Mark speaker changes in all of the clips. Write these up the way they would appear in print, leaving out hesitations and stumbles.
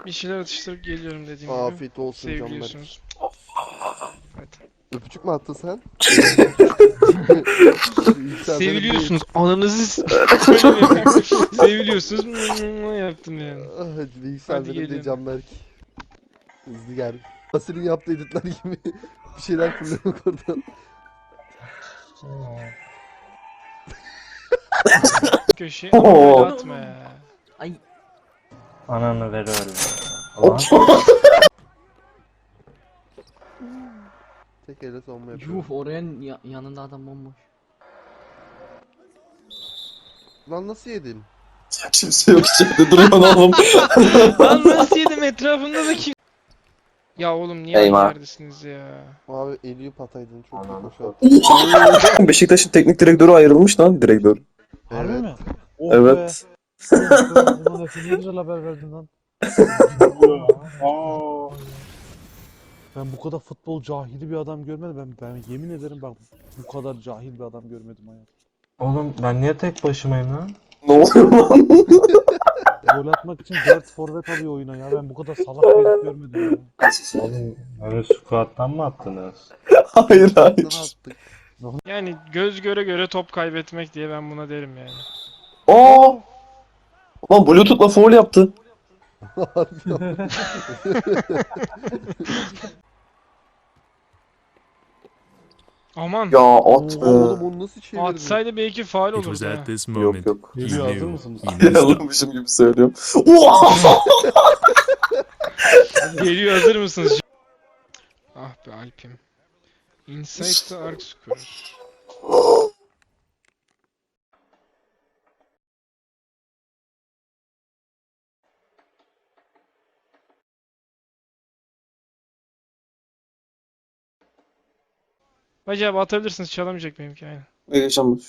Speaker 1: Bir şeyler atıştırıp geliyorum dediğim gibi.
Speaker 2: Afiyet olsun canlar.
Speaker 1: Seviliyorsunuz. Hadi.
Speaker 2: Öpücük mü attın sen?
Speaker 1: Seviliyorsunuz. Ananızı böyle mi yapayım? Seviliyorsunuz. Yaptım yani.
Speaker 2: Bilgisayar
Speaker 1: Hadi
Speaker 2: benim de
Speaker 1: gelin.
Speaker 2: Canberk. Hızlı gel. Asil'in yaptığı editler gibi bir şeyler fırlamak oradan.
Speaker 1: Köşeye ama böyle atma ya.
Speaker 3: Ay.
Speaker 4: Ananı veriyorum. Ulan.
Speaker 2: Tek elle savunma yapıyorum.
Speaker 3: Yuh oraya yanında adam bomboş.
Speaker 2: Lan nasıl yedin?
Speaker 5: Kimse yok içeride durun oğlum.
Speaker 1: Lan nasıl yedim etrafımda da kim? Ya oğlum niye aynı
Speaker 5: Eyvah.
Speaker 1: yerdesiniz ya?
Speaker 2: Abi Eyüp ataydın çok çok boşa.
Speaker 5: Beşiktaş'ın teknik direktörü ayrılmış lan direktör.
Speaker 6: Harbi
Speaker 2: Evet.
Speaker 6: mi? Oh
Speaker 5: Evet.
Speaker 6: Be. Ulan Efe ne güzel haber verdin lan. Ben bu kadar futbol cahili bir adam görmedim. Ben yemin ederim bak bu kadar cahil bir adam görmedim hayatımda.
Speaker 4: Oğlum ben niye tek başımayım lan?
Speaker 5: Ne oluyor lan?
Speaker 6: Gol atmak için 4 forvet alıyor oyuna ya. Ben bu kadar salak bir herif görmedim ya.
Speaker 4: Oğlum öyle squat'tan mı attınız?
Speaker 5: Hayır
Speaker 2: Ne
Speaker 5: hayır.
Speaker 2: yaptık?
Speaker 1: Yani göz göre göre top kaybetmek diye ben buna derim yani.
Speaker 5: Aa! Lan Bluetooth'la foul yaptı.
Speaker 2: Harbi ya.
Speaker 1: Aman.
Speaker 5: Ya at be.
Speaker 2: Oğlum onu nasıl çevirdin?
Speaker 1: Atsaydı belki faul
Speaker 7: It was
Speaker 1: olurdu ha.
Speaker 7: at this
Speaker 5: Yok
Speaker 7: moment
Speaker 5: yok.
Speaker 7: he
Speaker 6: Geliyor, hazır
Speaker 7: knew
Speaker 6: mısınız?
Speaker 7: he messed up.
Speaker 5: Yanılmışım gibi söylüyorum. Oha!
Speaker 1: Geliyor, hazır mısınız? Ah be Alp'im. Inside the arc scorer. Hacı abi atabilirsiniz, çalamayacak benimki aynen.
Speaker 5: Yaşanmış.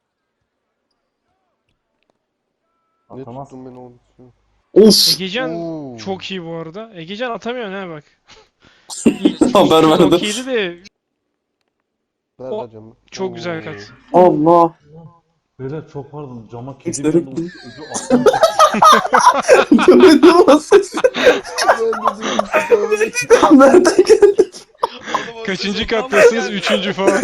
Speaker 2: Ne
Speaker 4: Atamaz.
Speaker 2: tuttun beni oğlum?
Speaker 5: Of!
Speaker 1: Egecan
Speaker 2: Oo.
Speaker 1: çok iyi bu arada. Egecan atamıyor ne bak. İlk
Speaker 5: Haber
Speaker 1: şut
Speaker 5: verdim.
Speaker 1: okeydi de
Speaker 2: Ver
Speaker 1: O-
Speaker 2: ver canım.
Speaker 1: çok güzel kat.
Speaker 5: Allah!
Speaker 6: Beyler çok pardon cama kedi
Speaker 5: Üstleri-
Speaker 6: bir anda ucu attım.
Speaker 5: Gördün mü sesi? Nereden geldi?
Speaker 1: Kaçıncı kattasınız? Üçüncü falan.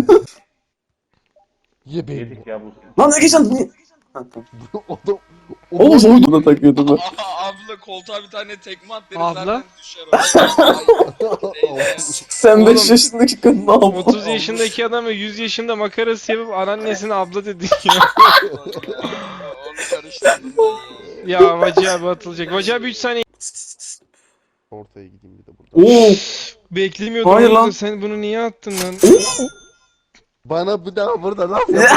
Speaker 2: Ye beni.
Speaker 4: Yedik ya bu.
Speaker 5: Lan ne geçen? Niye?
Speaker 2: Adam.
Speaker 5: Oğlum soyduğuna takıyordum ben.
Speaker 8: Abla koltuğa bir tane tekme at dedim
Speaker 1: Abla?
Speaker 8: zaten düşer o.
Speaker 5: Sen
Speaker 1: Oğlum,
Speaker 5: 5 yaşındaki kadın ne yaptın?
Speaker 1: 30 yaşındaki adamı 100 yaşında makarası yapıp anneannesine abla dedi ya.
Speaker 8: Onu karıştırdım ben ya.
Speaker 1: Ya Vacı abi atılacak. Vacı abi 3 saniye
Speaker 2: Ortaya gideyim bir de burada.
Speaker 5: Oo!
Speaker 1: beklemiyordum.
Speaker 5: Hayır
Speaker 1: orada.
Speaker 5: lan.
Speaker 1: Sen bunu niye attın lan?
Speaker 2: Bana bu daha burada laf
Speaker 1: Bu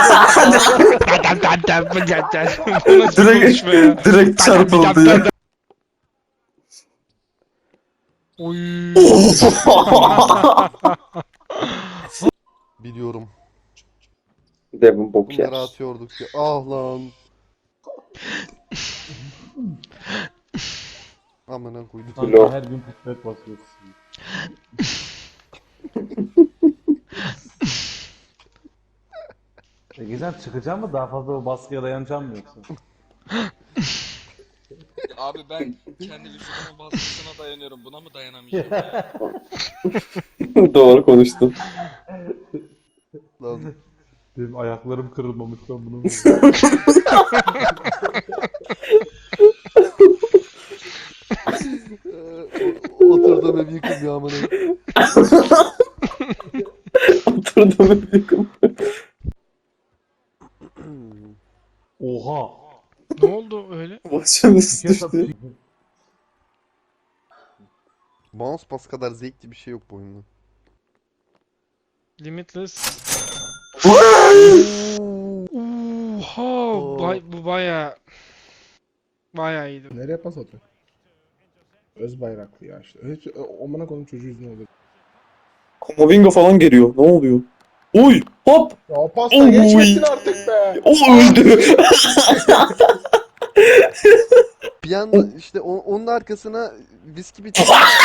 Speaker 1: nasıl bir konuşma ya?
Speaker 5: Direkt çarpıldı ya.
Speaker 1: Oy.
Speaker 2: Biliyorum.
Speaker 5: Devin bok
Speaker 2: Bunları atıyorduk ya. Ah lan. Amına koydum.
Speaker 6: Sanki her gün pipet basıyorsun. Güzel çıkacağım mı? Daha fazla o baskıya dayanacağım mı yoksa?
Speaker 8: Abi ben kendi vücudumun baskısına dayanıyorum. Buna mı dayanamayacağım ya?
Speaker 5: Doğru konuştun.
Speaker 2: Lan.
Speaker 6: Benim ayaklarım kırılmamış ben bunu.
Speaker 2: Oturdum ev yıkım ya amına.
Speaker 5: Oturdum yakın.
Speaker 6: Oha!
Speaker 1: Ne oldu öyle?
Speaker 5: Başımız
Speaker 6: Bir kez at-
Speaker 5: düştü.
Speaker 2: Mouse pas kadar zevkli bir şey yok bu oyunda.
Speaker 1: Limitless. Oha, bu bayağı iyiydi.
Speaker 9: Nereye pas atıyor? Öz bayraklı ya işte. Hiç amına koyayım çocuğu yüzüne oluyor.
Speaker 5: Kamavinga falan geliyor. Ne oluyor? Uy! Hop!
Speaker 9: Ya pasta
Speaker 5: Oy.
Speaker 9: geçmesin artık be.
Speaker 5: O öldü.
Speaker 2: Bir anda işte onun arkasına viski bitti.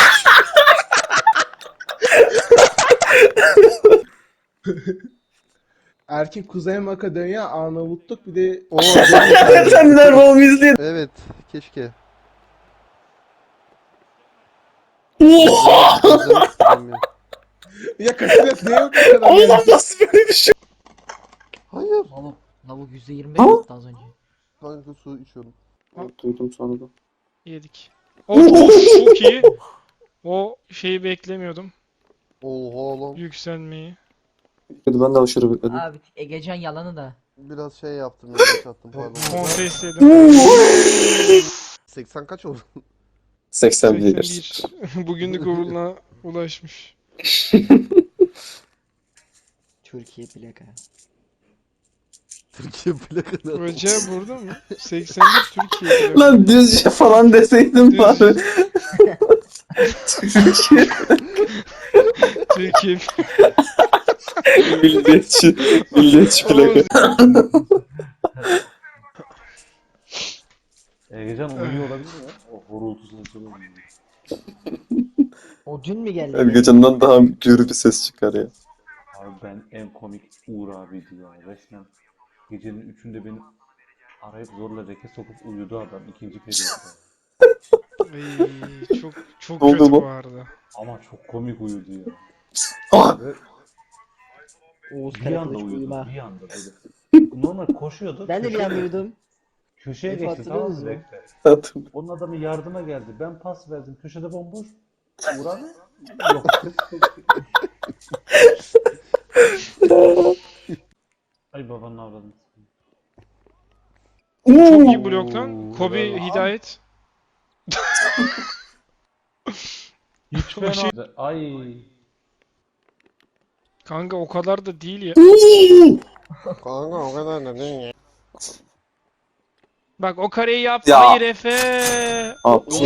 Speaker 9: Erkek Kuzey Makedonya, Arnavutluk bir de
Speaker 2: Oo,
Speaker 5: Sen Nerval'ı izleyin.
Speaker 2: evet, keşke.
Speaker 5: Oha!
Speaker 2: Gözlerini tutamıyorum.
Speaker 9: Ya Casillas ne yok o kadar
Speaker 5: Oğlum
Speaker 9: yani?
Speaker 5: nasıl böyle bir şey?
Speaker 2: Hayır.
Speaker 3: Lavuk %25
Speaker 5: Ha?
Speaker 3: yaptı az önce.
Speaker 2: Kanka su içiyorum.
Speaker 5: Duydum sonradan.
Speaker 1: Yedik. Of, çok iyi. O şeyi beklemiyordum.
Speaker 2: Oha lan.
Speaker 1: Yükselmeyi.
Speaker 5: Ben de aşırı bekledim.
Speaker 3: Abi Egecan yalanı da.
Speaker 2: Biraz şey yaptım. Yanlış attım pardon.
Speaker 1: Kontes yedim.
Speaker 2: 80 kaç oldu?
Speaker 5: 81.
Speaker 1: 81. Bugünlük uğurluğuna ulaşmış.
Speaker 3: Türkiye plaka.
Speaker 2: Türkiye plakası.
Speaker 1: Hoca burada mı? 81 Türkiye.
Speaker 5: Lan düzce falan deseydim
Speaker 1: Düzce.
Speaker 5: bari. Türkiye
Speaker 1: Türkiye.
Speaker 5: milliyetçi. Milliyetçi plaka.
Speaker 4: Egecan uyuyor olabilir mi? O horultu sesi oluyor.
Speaker 3: O dün mü geldi?
Speaker 5: Ergecan'dan daha gür bir ses çıkar ya.
Speaker 4: Abi ben en komik Uğur abiydi ya. Resmen gecenin 3'ünde beni arayıp zorla reke sokup uyudu adam ikinci periyotta.
Speaker 1: Ay, çok
Speaker 5: Ne oldu
Speaker 1: kötü
Speaker 5: bu?
Speaker 1: bu arada.
Speaker 4: Ama çok komik uyudu ya.
Speaker 5: Ah!
Speaker 3: Oğuz
Speaker 4: Bir anda
Speaker 3: Karakılıç
Speaker 4: uyudu,
Speaker 3: uyuma.
Speaker 4: bir anda böyle. Normal koşuyordu.
Speaker 3: Ben de bir an uyudum.
Speaker 4: Köşeye
Speaker 3: Efe
Speaker 4: geçti tamam
Speaker 3: hatırlıyorsunuz
Speaker 4: mı
Speaker 3: mu?
Speaker 4: rekte.
Speaker 5: Hatırlıyorum.
Speaker 4: Onun adamı yardıma geldi. Ben pas verdim. Köşede bomboş. Uğur abi. Yok. Ay babanın avradını.
Speaker 1: Çok iyi blok lan. Kobe
Speaker 4: bravo.
Speaker 1: Hidayet.
Speaker 4: Hiç fena.
Speaker 1: şey-
Speaker 4: Ay.
Speaker 1: Kanka o kadar da değil ya.
Speaker 2: Kanka o kadar da değil ya.
Speaker 1: Bak o kareyi yaptı.
Speaker 5: Ya.
Speaker 1: Hayır Efe.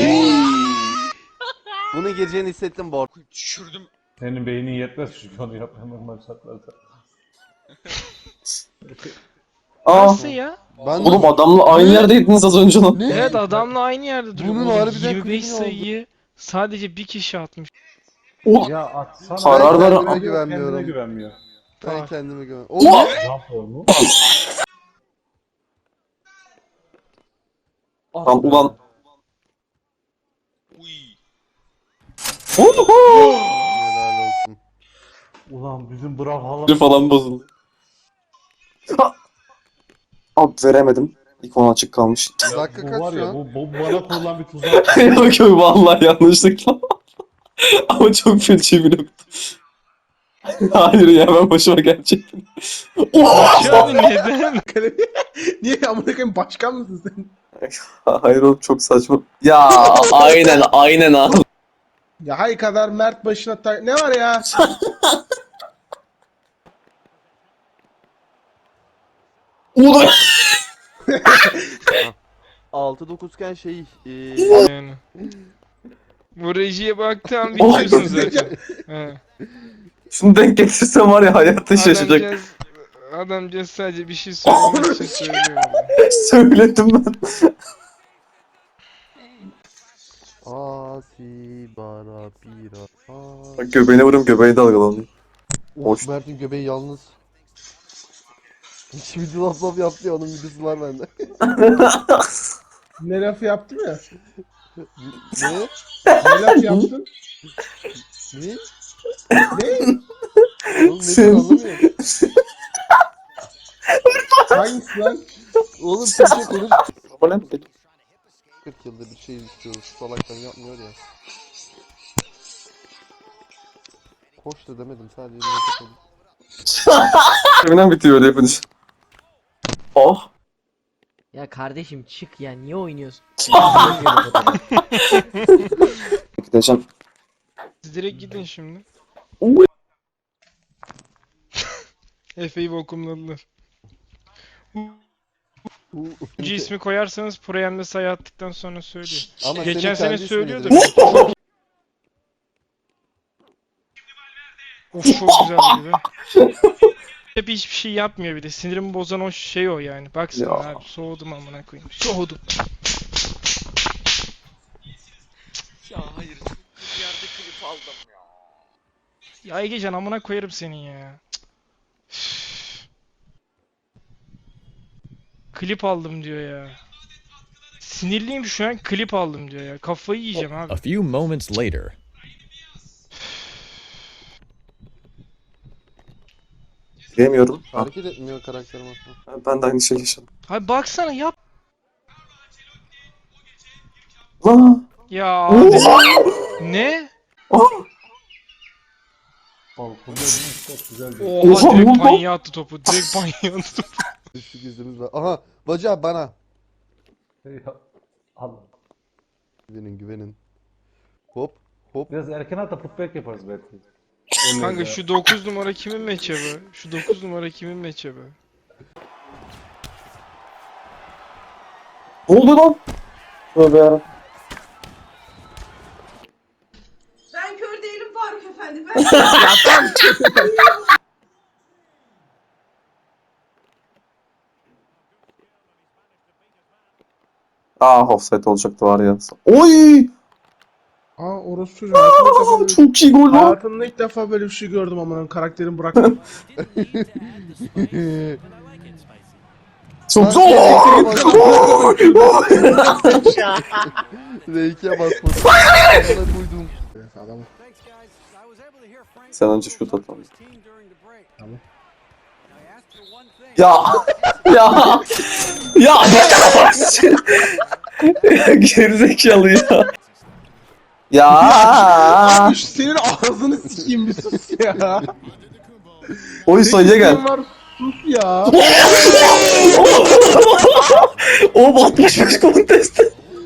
Speaker 2: Bunu gireceğini hissettim bu arada.
Speaker 8: Düşürdüm.
Speaker 4: Senin beynin yetmez çünkü onu yapmaya normal şartlarda.
Speaker 5: Aa!
Speaker 1: Nasıl ya?
Speaker 2: Ben
Speaker 5: Oğlum adamla aynı yerdeydiniz az önce lan.
Speaker 2: Ne?
Speaker 1: Evet adamla aynı yerde duruyor.
Speaker 2: Bunun
Speaker 1: Oğlum,
Speaker 2: harbiden
Speaker 1: 25
Speaker 2: clean oldu.
Speaker 1: sayıyı sadece bir kişi atmış.
Speaker 4: Ya atsana.
Speaker 5: Karar ver.
Speaker 2: kendime
Speaker 4: Kendine
Speaker 2: güvenmiyorum.
Speaker 4: güvenmiyor.
Speaker 2: Ben kendime güvenmiyorum. Oğlum ne?
Speaker 4: Jump mu?
Speaker 5: Lan ulan.
Speaker 8: Uy.
Speaker 2: Helal olsun.
Speaker 4: Ulan bizim bravo
Speaker 5: Falan bozuldu. Abi veremedim. İkon açık kalmış.
Speaker 2: Dakika
Speaker 4: Bu
Speaker 2: kaç
Speaker 4: var
Speaker 2: şu
Speaker 4: ya
Speaker 2: an?
Speaker 4: bu bana kurulan bir tuzak.
Speaker 5: Yok yok vallahi yanlışlıkla. Ama çok feci bir nokta. Hayır ya ben başıma gerçekten.
Speaker 1: Abi neden?
Speaker 9: Niye amına koyayım başkan mısın sen?
Speaker 5: Hayır oğlum çok saçma. Ya aynen abi.
Speaker 9: Ya hay kadar Mert başına ne var ya?
Speaker 5: Ulan.
Speaker 2: 6-9 iken şey
Speaker 1: Yani. Bu rejiye baktığım bitiyorsun zaten. He.
Speaker 5: Şunu denk getirsem var ya hayatı şaşacak.
Speaker 1: Adamcağız sadece bir şey söylemek için söylüyor.
Speaker 5: Söyledim ben.
Speaker 2: Asi bara bira.
Speaker 5: Bak göbeğine vururum göbeği dalgalanıyor.
Speaker 2: Of Mert'in göbeği yalnız. Hiç video laf laf yaptı ya onun videosu var bende.
Speaker 9: Ne laf yaptım ya?
Speaker 2: Ne?
Speaker 9: Ne laf yaptın?
Speaker 2: Ne?
Speaker 9: Ne?
Speaker 2: Oğlum ne diyor anlamıyorum.
Speaker 9: Hangisi lan?
Speaker 2: Oğlum Türkçe konuş.
Speaker 5: Ama ne peki?
Speaker 2: 40 yılda bir şey istiyoruz. Salaktan yapmıyor ya. Koş da demedim sadece bir laf konuş.
Speaker 5: Hemen bitiyor öyle yapınca. Oh.
Speaker 3: Ya kardeşim çık ya niye oynuyorsun?
Speaker 5: Gideceğim.
Speaker 1: Siz direkt gidin şimdi.
Speaker 5: Oy.
Speaker 1: Efe'yi vakumladılar. Bu ismi koyarsanız Proyem'de sayı attıktan sonra söylüyor.
Speaker 2: Ama
Speaker 1: Geçen
Speaker 2: senin
Speaker 1: sene
Speaker 2: kendi
Speaker 1: söylüyordu.
Speaker 2: ismini
Speaker 1: Of çok güzel gibi. Hep hiçbir şey yapmıyor bir de. Sinirimi bozan o şey o yani. Baksana
Speaker 5: Ya.
Speaker 1: abi soğudum amına koyayım. Soğudum.
Speaker 8: Ya hayır. Bir yerde klip aldım ya.
Speaker 1: Ya Egecan amına koyarım seni ya. Klip aldım diyor ya. Sinirliyim şu an klip aldım diyor ya. Kafayı yiyeceğim abi.
Speaker 7: A few moments later.
Speaker 5: Diyemiyorum. Ha,
Speaker 2: Hareket etmiyor karakterim aslında.
Speaker 5: ben de aynı şeyi yaşadım.
Speaker 1: Hay baksana yap.
Speaker 5: Lan!
Speaker 1: Ya abi. Ne?
Speaker 4: Balkonda çok güzel bir...
Speaker 1: Oha
Speaker 5: Oha,
Speaker 1: direkt
Speaker 5: ne oldu?
Speaker 1: panyaya attı topu. Direkt panyaya attı topu.
Speaker 2: Düşük izimiz var. Aha Bacı abi bana.
Speaker 4: Ya, al.
Speaker 2: Güvenin. Hop hop.
Speaker 4: Biraz erken at da putback yaparız belki.
Speaker 1: Kanka şu 9 numara kimin matchup'ı? Şu 9 numara kimin matchup'ı?
Speaker 5: Ne oldu lan? Tövbe yarabbim.
Speaker 7: Ben kör değilim Faruk Efendi. Ben
Speaker 5: Offside olacaktı var ya. Oy!
Speaker 9: Aa orası çocuğu. Hayatımda ilk defa böyle,
Speaker 5: Çok iyi gol lan.
Speaker 9: hayatımda ilk defa böyle bir şey gördüm amına karakterim bıraktım.
Speaker 5: Çok
Speaker 2: Lan,
Speaker 5: zor.
Speaker 2: R2'ye basmadım. Amına koydum.
Speaker 9: Evet, adam.
Speaker 5: Sen önce şut at abi.
Speaker 9: Tamam.
Speaker 5: Ya ya ya gerizekalı ya. Ya
Speaker 9: Abi senin ağzını sikeyim bir sus ya.
Speaker 5: oy sayıya gel.
Speaker 9: Senin var sus ya.
Speaker 5: O batmış kontest.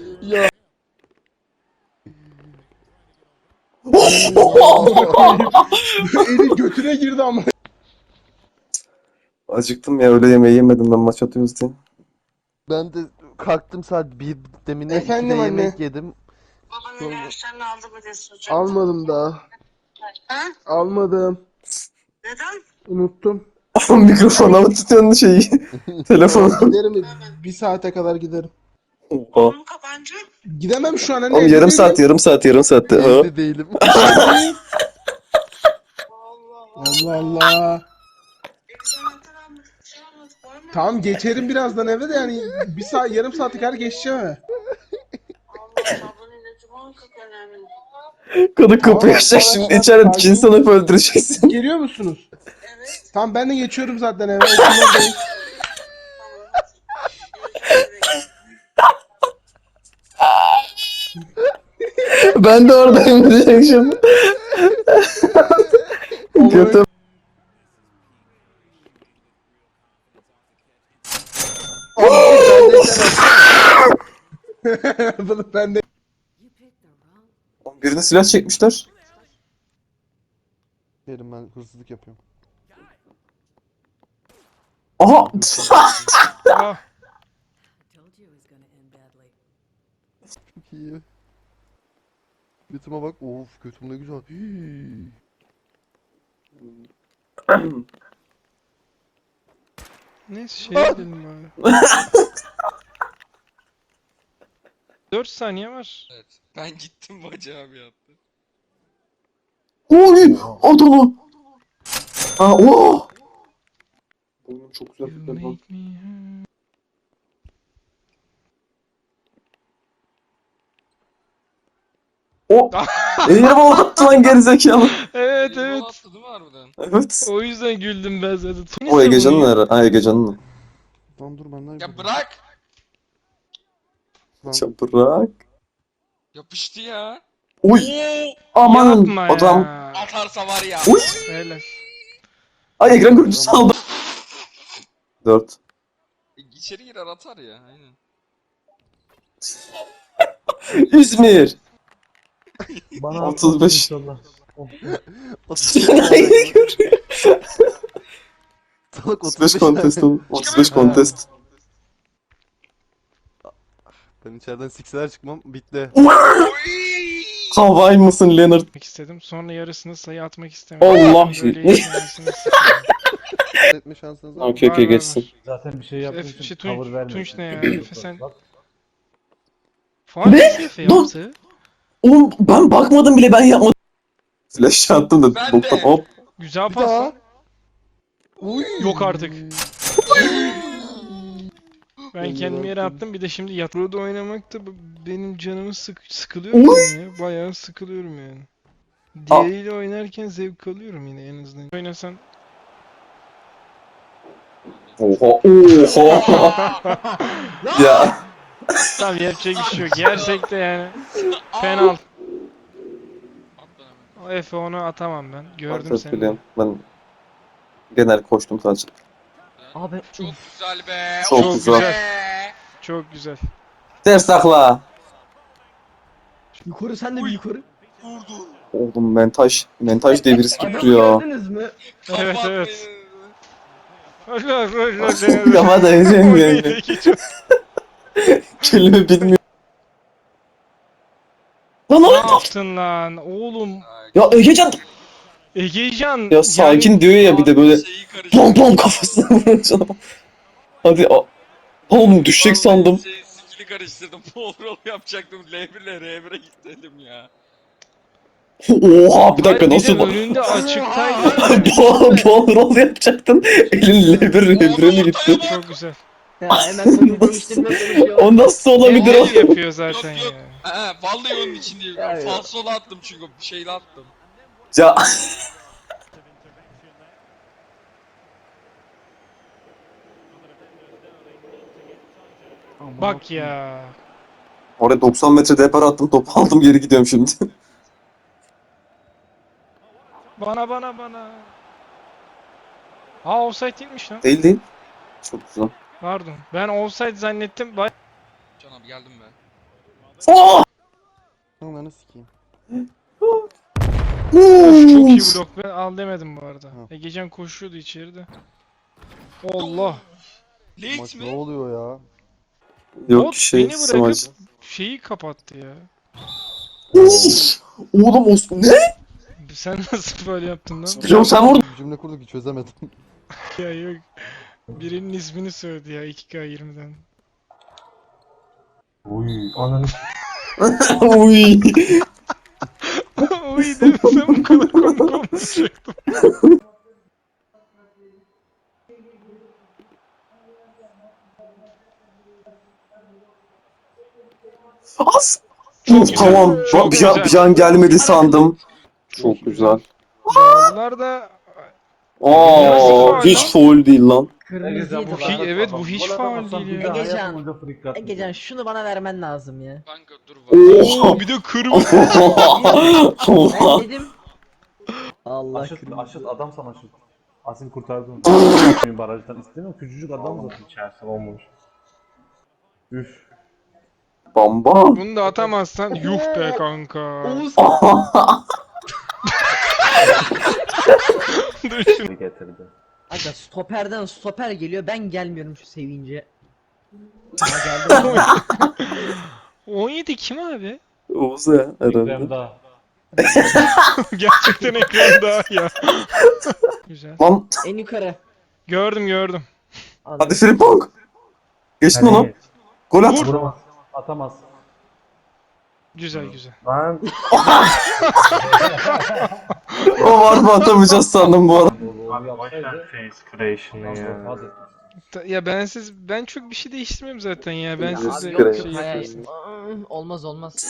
Speaker 9: Eli götüne girdi ama.
Speaker 5: Acıktım ya, öyle yemeği yemedim ben maç atıyoruz diye.
Speaker 2: Ben de kalktım saat 1 demine
Speaker 9: Efendim
Speaker 2: 2'de
Speaker 9: anne.
Speaker 2: yemek yedim.
Speaker 7: babanın ilaçlarını aldı mı diye soracağım.
Speaker 9: Almadım daha.
Speaker 7: Ha?
Speaker 9: Almadım.
Speaker 7: Neden?
Speaker 9: Unuttum.
Speaker 5: Mikrofona mı tutuyorsun şeyi? Telefonu.
Speaker 9: Giderim bir saate kadar giderim.
Speaker 5: Oha.
Speaker 7: Konu kapancı.
Speaker 9: Gidemem şu an anne.
Speaker 5: Oğlum
Speaker 9: evde
Speaker 5: yarım
Speaker 9: değilim.
Speaker 5: saat yarım saatte. Ha?
Speaker 2: Evde değilim.
Speaker 7: Allah Allah.
Speaker 9: Allah Allah.
Speaker 7: Biz anahtar almadık. Bir şey almadık. Var mı?
Speaker 9: Tamam geçerim birazdan eve de yani bir saat yarım saate kadar geçeceğim eve.
Speaker 7: Allah Allah. Bunun ilacı muhakkak önemli.
Speaker 5: Kadın kapıyı
Speaker 9: Tamam,
Speaker 5: açacak şimdi
Speaker 9: arkadaşlar,
Speaker 5: içeride
Speaker 9: sakin.
Speaker 5: cinsten hep öldüreceksin.
Speaker 9: Geliyor musunuz?
Speaker 7: Evet.
Speaker 9: Tamam ben de geçiyorum zaten eve. Okullardayım.
Speaker 5: Ben de oradayım diyecek şimdi. Kötü.
Speaker 9: Bunu ben de
Speaker 5: Birine silah çekmişler.
Speaker 2: Derim ben hırsızlık yapıyorum.
Speaker 5: Aha!
Speaker 1: Ah,
Speaker 2: Çok iyi. Götüme bak. Of götüm ne güzel. Hii.
Speaker 1: neyse şey edelim bari. 4 saniye var.
Speaker 8: Evet. Ben gittim Bacı abi yaptı.
Speaker 5: Oy! Adamı! Ha, oh! Oğlum çok güzel
Speaker 1: You
Speaker 5: bir telefon.
Speaker 1: make me hurt.
Speaker 5: O! Ellerime attı lan gerizekalı.
Speaker 1: Evet
Speaker 8: Elini
Speaker 1: evet.
Speaker 8: attı değil mi harbiden?
Speaker 5: Evet.
Speaker 1: O yüzden güldüm ben zaten.
Speaker 5: O Egecan'ın herhalde. Ha, Egecan'ın.
Speaker 2: Lan dur benden
Speaker 8: Ya bırak!
Speaker 2: Lan,
Speaker 5: Ya bırak.
Speaker 8: Yapıştı ya.
Speaker 5: Oy! Aman!
Speaker 1: Yapma
Speaker 5: Adam.
Speaker 1: ya.
Speaker 8: Atarsa var ya.
Speaker 5: Oy!
Speaker 1: Helal.
Speaker 5: Ay ekran görüntüsü aldım. 4.
Speaker 8: İçeri girer atar ya. Aynen.
Speaker 5: İzmir.
Speaker 6: Bana
Speaker 5: 35.
Speaker 6: inşallah.
Speaker 5: Aynı görüyor.
Speaker 2: Salak
Speaker 5: 35
Speaker 2: 35
Speaker 5: contest
Speaker 2: tane.
Speaker 5: oğlum. 35 contest.
Speaker 2: Ben içeriden sikseler çıkmam. Bitti.
Speaker 5: Havay mısın Leonard?
Speaker 1: Atmak istedim. Sonra yarısını sayı atmak istemedim.
Speaker 5: Allah!
Speaker 1: Böyle yaşamasını istedim.
Speaker 2: Etme şansınız var mı?
Speaker 5: Okey
Speaker 1: Var,
Speaker 5: okey
Speaker 1: var,
Speaker 5: geçsin.
Speaker 1: var.
Speaker 6: Zaten bir şey yaptığın
Speaker 1: Efe,
Speaker 6: için
Speaker 1: şey,
Speaker 6: cover
Speaker 1: Tunç,
Speaker 6: verme.
Speaker 1: Tunç ne ya? Efe sen...
Speaker 6: Bak,
Speaker 1: Faal
Speaker 5: Ne?
Speaker 1: nasıl Efe
Speaker 5: Dur.
Speaker 1: yaptı?
Speaker 5: Oğlum ben bakmadım bile, ben yapmadım. Flash attım da
Speaker 8: Ben
Speaker 5: boktan
Speaker 8: de.
Speaker 5: hop.
Speaker 1: Güzel
Speaker 2: Bir
Speaker 1: pas
Speaker 2: daha.
Speaker 1: lan.
Speaker 2: Uy.
Speaker 1: Yok artık. Ben kendimi yere attım, bir de şimdi yatroda oynamak da benim canımı sıkılıyorum ya. Bayağı sıkılıyorum yani. Diğeriyle oynarken zevk alıyorum yine en azından. Oynasan
Speaker 5: Oha oha. Ya
Speaker 1: Tamam yapacak bir şey yok. Yersek de yani. Penal.
Speaker 8: At lan hemen.
Speaker 1: O Efe onu atamam ben. Gördüm
Speaker 5: Artık
Speaker 1: seni.
Speaker 5: biliyorum. Ben genel koştum sadece.
Speaker 3: Abi
Speaker 8: Çok güzel be.
Speaker 5: Çok
Speaker 8: of
Speaker 5: güzel.
Speaker 8: be.
Speaker 1: Çok güzel.
Speaker 5: Ters takla.
Speaker 3: yukarı sen de bir yukarı.
Speaker 8: Vurdu.
Speaker 5: Oğlum mentaj devirisi
Speaker 3: Adamı
Speaker 5: tuttu ya.
Speaker 3: gördünüz mü?
Speaker 1: Evet,
Speaker 8: Kapatmayın.
Speaker 1: evet. Allah
Speaker 5: Kafa da ezeyim yani.
Speaker 1: Allah.
Speaker 5: Kelime bilmiyorum. Lan
Speaker 1: Ne
Speaker 5: oğlum.
Speaker 1: yaptın lan oğlum?
Speaker 5: Ya Egecan.
Speaker 1: Egecan.
Speaker 5: Ya sakin diyor ya bir de böyle
Speaker 8: Şeyi karıştırdım.
Speaker 5: bom bom kafasına vurunca. Hadi oğlum düşecek sandım.
Speaker 8: Skill'i karıştırdım. Roll yapacaktım. L1 ile R1'e gittim ya.
Speaker 5: Oha bir dakika
Speaker 1: Hayır,
Speaker 5: nasıl
Speaker 1: bir de önünde açıktaydı.
Speaker 5: bol rol yapacaktın. Elin lebire mi gitti?
Speaker 1: Çok güzel.
Speaker 3: Ya hemen konuyu değiştirmeye çalışıyor.
Speaker 5: O nasıl olabilir
Speaker 1: Hayır
Speaker 5: o?
Speaker 1: yapıyor zaten
Speaker 8: Yok, yok.
Speaker 1: ya.
Speaker 8: Vallahi onun için değil.
Speaker 3: Ya, ya.
Speaker 8: Falsolu attım çünkü bir şeyle attım.
Speaker 5: Ya
Speaker 1: Bak ya.
Speaker 5: oraya 90 metre depar attım topu aldım geri gidiyorum şimdi.
Speaker 1: Bana. Aa offside değilmiş lan.
Speaker 5: Değil değil. Çok güzel.
Speaker 1: Pardon. Ben offside zannettim. Bak.
Speaker 8: Can abi geldim be.
Speaker 5: Aa!
Speaker 2: Ananı sikeyim.
Speaker 1: Of, çok iyi blok. Ben al demedim bu arada.
Speaker 2: Ha.
Speaker 1: Egecan koşuyordu içeride. Allah.
Speaker 8: Late
Speaker 2: Maç ne
Speaker 8: mi?
Speaker 2: oluyor ya?
Speaker 5: Yok
Speaker 1: Bot
Speaker 5: şey
Speaker 1: beni bırakıp
Speaker 5: smaç.
Speaker 1: şeyi kapattı ya.
Speaker 5: Oğlum Osman ne?
Speaker 1: Sen nasıl böyle yaptın lan?
Speaker 5: Hocam sen vurdun.
Speaker 2: Bir cümle kurduk ki çözemedim.
Speaker 1: Ya yok. Birinin ismini söyledi ya 2K20'den.
Speaker 4: Uy ananı
Speaker 5: Uy.
Speaker 1: Uy demesem bu kadar komik olmayacaktım.
Speaker 5: As.
Speaker 1: Çok güzel,
Speaker 5: Tamam.
Speaker 1: çok
Speaker 5: Bir an,
Speaker 1: güzel.
Speaker 5: bir an gelmedi sandım. Çok güzel.
Speaker 1: Bunlar da
Speaker 5: Aa, hiç foul değil lan.
Speaker 3: Kırmızı yedi
Speaker 1: Hi-
Speaker 3: lan.
Speaker 1: evet bu hiç faul değil ya.
Speaker 3: Egecan şunu bana vermen lazım ya.
Speaker 8: Kanka dur var.
Speaker 5: Oha.
Speaker 1: Bir de kırmızı.
Speaker 5: Oha.
Speaker 3: Ben dedim. Allah
Speaker 4: Aşıt,
Speaker 3: kırmızı.
Speaker 4: Aşıt adam sana Aşıt. Asin kurtardın. Barajdan istemiyorum. Küçücük adam zaten içerisi olmamış. Üf.
Speaker 5: Bamba.
Speaker 1: Bunu da atamazsan yuh be kanka.
Speaker 3: Oğuz.
Speaker 1: Dur şunu.
Speaker 4: Getirdi.
Speaker 3: Aga stoperden stoper geliyor ben gelmiyorum şu sevince. Ha geldim.
Speaker 1: 17 kim abi?
Speaker 5: Oğuz ya herhalde.
Speaker 4: Ekrem daha.
Speaker 1: Gerçekten ekran daha ya. Güzel.
Speaker 5: Lan
Speaker 3: En yukarı.
Speaker 1: Gördüm.
Speaker 5: hadi Frimpong. Geçtin onu. Gol at.
Speaker 4: Vuramaz. Atamaz.
Speaker 1: Güzel.
Speaker 4: Lan.
Speaker 5: O var mı atamayacağız sandım bu arada.
Speaker 4: Hadi.
Speaker 1: Ya ben çok bir şey değiştirmiyorum zaten ya. Ben
Speaker 3: Ya
Speaker 1: size
Speaker 3: abi yok
Speaker 1: şey
Speaker 3: yok hayır.
Speaker 1: yapıyorsun.
Speaker 3: Olmaz.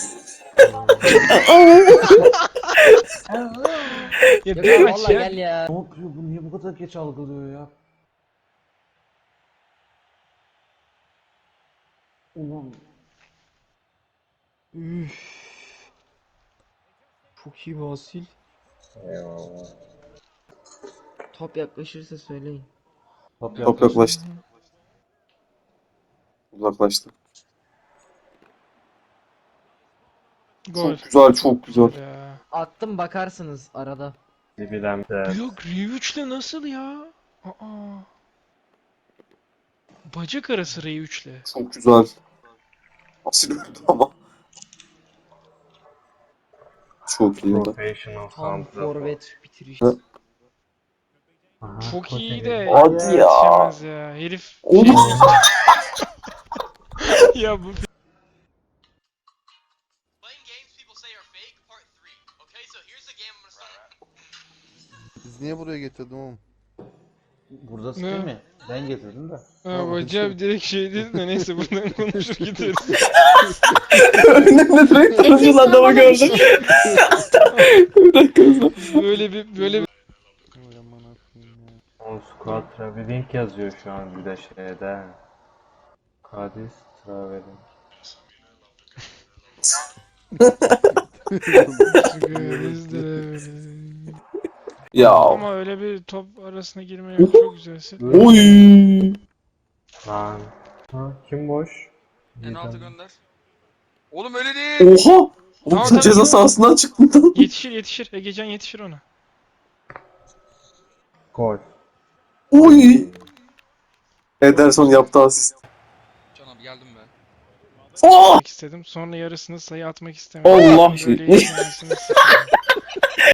Speaker 1: Ya
Speaker 3: Yok
Speaker 1: bir
Speaker 3: ya
Speaker 1: maç
Speaker 3: valla
Speaker 1: ya.
Speaker 3: gel ya.
Speaker 4: Ne yapıyor bu? Niye bu kadar geç algılıyor ya? Ulan.
Speaker 3: Üf. Çok iyi bir asil. Top yaklaşırsa söyleyin.
Speaker 5: Top yaklaştı. Uzaklaştı.
Speaker 1: Gol.
Speaker 5: Çok güzel.
Speaker 1: Ya.
Speaker 3: Attım bakarsınız arada.
Speaker 1: Yok R3'le nasıl ya? Aa. Bacak arası R3'le.
Speaker 5: Çok güzel. Asil öldü ama. Çok iyi.
Speaker 3: Tam forvet bitiriş.
Speaker 5: Ha.
Speaker 1: Çok iyi de
Speaker 5: Hadi ya.
Speaker 1: yetişemez ya. Herif
Speaker 5: Oğlum.
Speaker 1: ya bu
Speaker 2: Biz niye buraya getirdim oğlum?
Speaker 4: Burada
Speaker 1: Ne?
Speaker 4: sıkıyor mi? Ben getirdim de.
Speaker 1: ha, bacak direkt şey değil de neyse buradan konuşur gideriz.
Speaker 5: Önümde direkt turuncu adamı gördüm. Bir dakika.
Speaker 1: Böyle bir
Speaker 2: Oy aman akıyım ya.
Speaker 4: On squad traveling yazıyor şu an bir de şeyde. Kadis traveling.
Speaker 5: Ya.
Speaker 1: Ama öyle bir top arasına girme yok. Çok güzelsin.
Speaker 5: Oy.
Speaker 4: Lan. Ha, kim boş?
Speaker 8: En altı gönder. Oğlum öyle değil.
Speaker 5: Oha. Oğlum
Speaker 1: Tamam,
Speaker 5: sen ceza
Speaker 1: tamam.
Speaker 5: sahasından çıktın lan.
Speaker 1: Yetişir. Egecan yetişir ona.
Speaker 4: Gol.
Speaker 5: Oy. Ederson yaptı asist.
Speaker 8: Can abi geldim be.
Speaker 5: Oh!
Speaker 1: Atmak istedim. Sonra yarısını sayı atmak istemedim.
Speaker 5: Allah.
Speaker 1: Böyle yetişmemesini istedim.